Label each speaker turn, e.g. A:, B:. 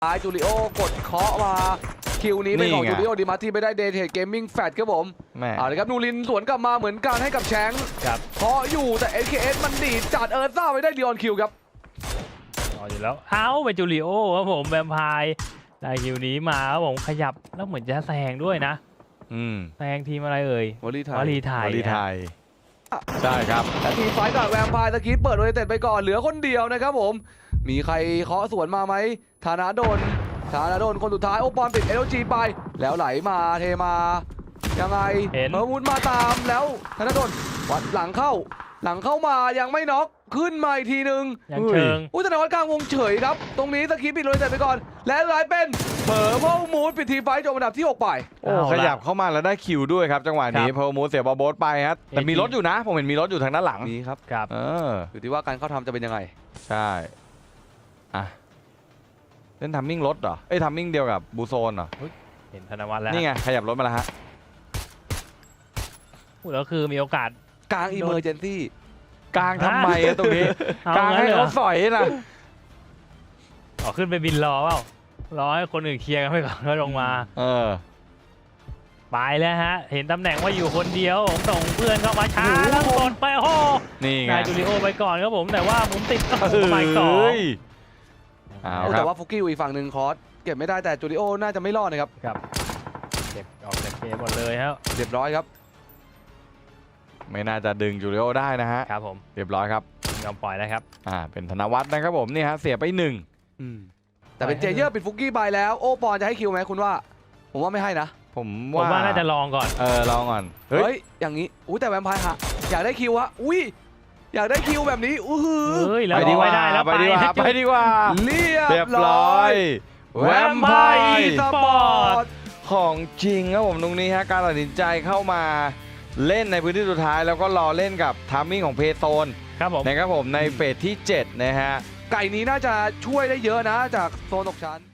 A: จูริโอกดเคาะมาคิวนี้เป็นของจูริโอดีมาที่ไม่ได้เดทเทดเกมมิ่งแฟตครับผมเอาเลยครับนูรินสวนกลับมาเหมือนกันให้กับแชงค์เคาะอยู่แต่ SKS มันดีดจัดซ่าไปได้ดิออนคิวครับ
B: อยู่แล้วเป็นจูริโอครับผมแวมไพร์ได้คิวนี้มาครับผมขยับแล้วเหมือนจะแซงด้วยนะแซงทีมอะไรเอ่ยว
A: ลีไทย
C: ใช่ครับ
A: แต่ทีไฟกับแวมไพร์ตะกี้เปิดโดยเต็ดไปก่อนเหลือคนเดียวนะครับผมมีใครเคาะสวนมาไหมธนาดลคนสุดท้ายโอปอนปิด LG ไปแล้วไหลมาเทมายังไงเมอร์มูนมาตามแล้วธนาดลวัดหลังเข้ามายังไม่น็อกขึ้นมาอีกทีนึง
B: ยังเชิง
A: ธนาวัฒน์กลางวงเฉยครับตรงนี้ตะกี้ปิดโดยเต็ดไปก่อนและไหลเป็นเผอร์เพลมูนปิดทีไฟจบอันดับที่6ไป
C: โอ้ขยับเข้ามาแล้วได้คิวด้วยครับจังหวะนี้เพลมูนเสียบอลโบสไปครับแต่มีรถอยู่นะผมเห็นมีรถอยู่ทางด้านหลัง
A: นี้ครับอยู่ที่ว่าการเข้าทำจะเป็นยังไง
C: ใช่เล่นทัมมิ่งรถเหรอทัมมิ่งเดียวกับบูโซนเหรอ
B: เห็นธนวัฒน์แล้ว
C: นี่ไงขยับรถมาแล้วฮะ
B: แล้วคือมีโอกาส
A: กลางอิมเมอร์เจนซี่
C: กลางทำไมตรงนี้กลางให้เขาสอยนะ
B: ขึ้นไปบินรอเปล่ารอให้คนอื่นเคลียร์กันไปก่อนแล้วลงมาไปแล้วฮะเห็นตำแหน่งว่าอยู่คนเดียวผมส่งเพื่อนเข้ามาช้าแล้วกดไปโอ้
C: นี่ไง
B: จูริโอไปก่อนครับผมแต่ว่าผมติดหมายต่อ
A: แต่ว่าฟุกี้อีกฝั่งหนึ่งคอร์สเก็บไม่ได้แต่จูริโอน่าจะไม่รอดนะครับ
B: เก็บออกจากเกมหมดเลยครับ
A: เรียบร้อยครับ
C: ไม่น่าจะดึงจูริโอได้นะฮะ
B: ครับผม
C: เรียบร้อยครับ
B: ยอมปล่อยแล้วครับ
C: เป็นธนวัฒน์นะครับผมนี่ฮะเสียไป1
A: แต่เป็นเจเยอร์ปิดฟุกี้ไปแล้วโอปอนจะให้คิวไหมคุณว่าผมว่าไม่ให้นะ
C: ผม
B: ว่าน่าจะลองก่อน
C: ลองก่อน
A: เฮ้ยอย่างนี้แต่แวมไพร์ฮะอยากได้คิวฮะอยากได้คิวแบบนี้
B: ไปดีกว่า
C: ไปดีกว่า
A: เรียบร้อย
C: แวมไพร์สปอร์ตของจริงครับผมตรงนี้ฮะการตัดสินใจเข้ามาเล่นในพื้นที่สุดท้ายแล้วก็รอเล่นกับทามมิ่งของเพโซนนะครับผมในเฟสที่7นะฮะ
A: ไก่นี้น่าจะช่วยได้เยอะนะจากโซนตกชั้น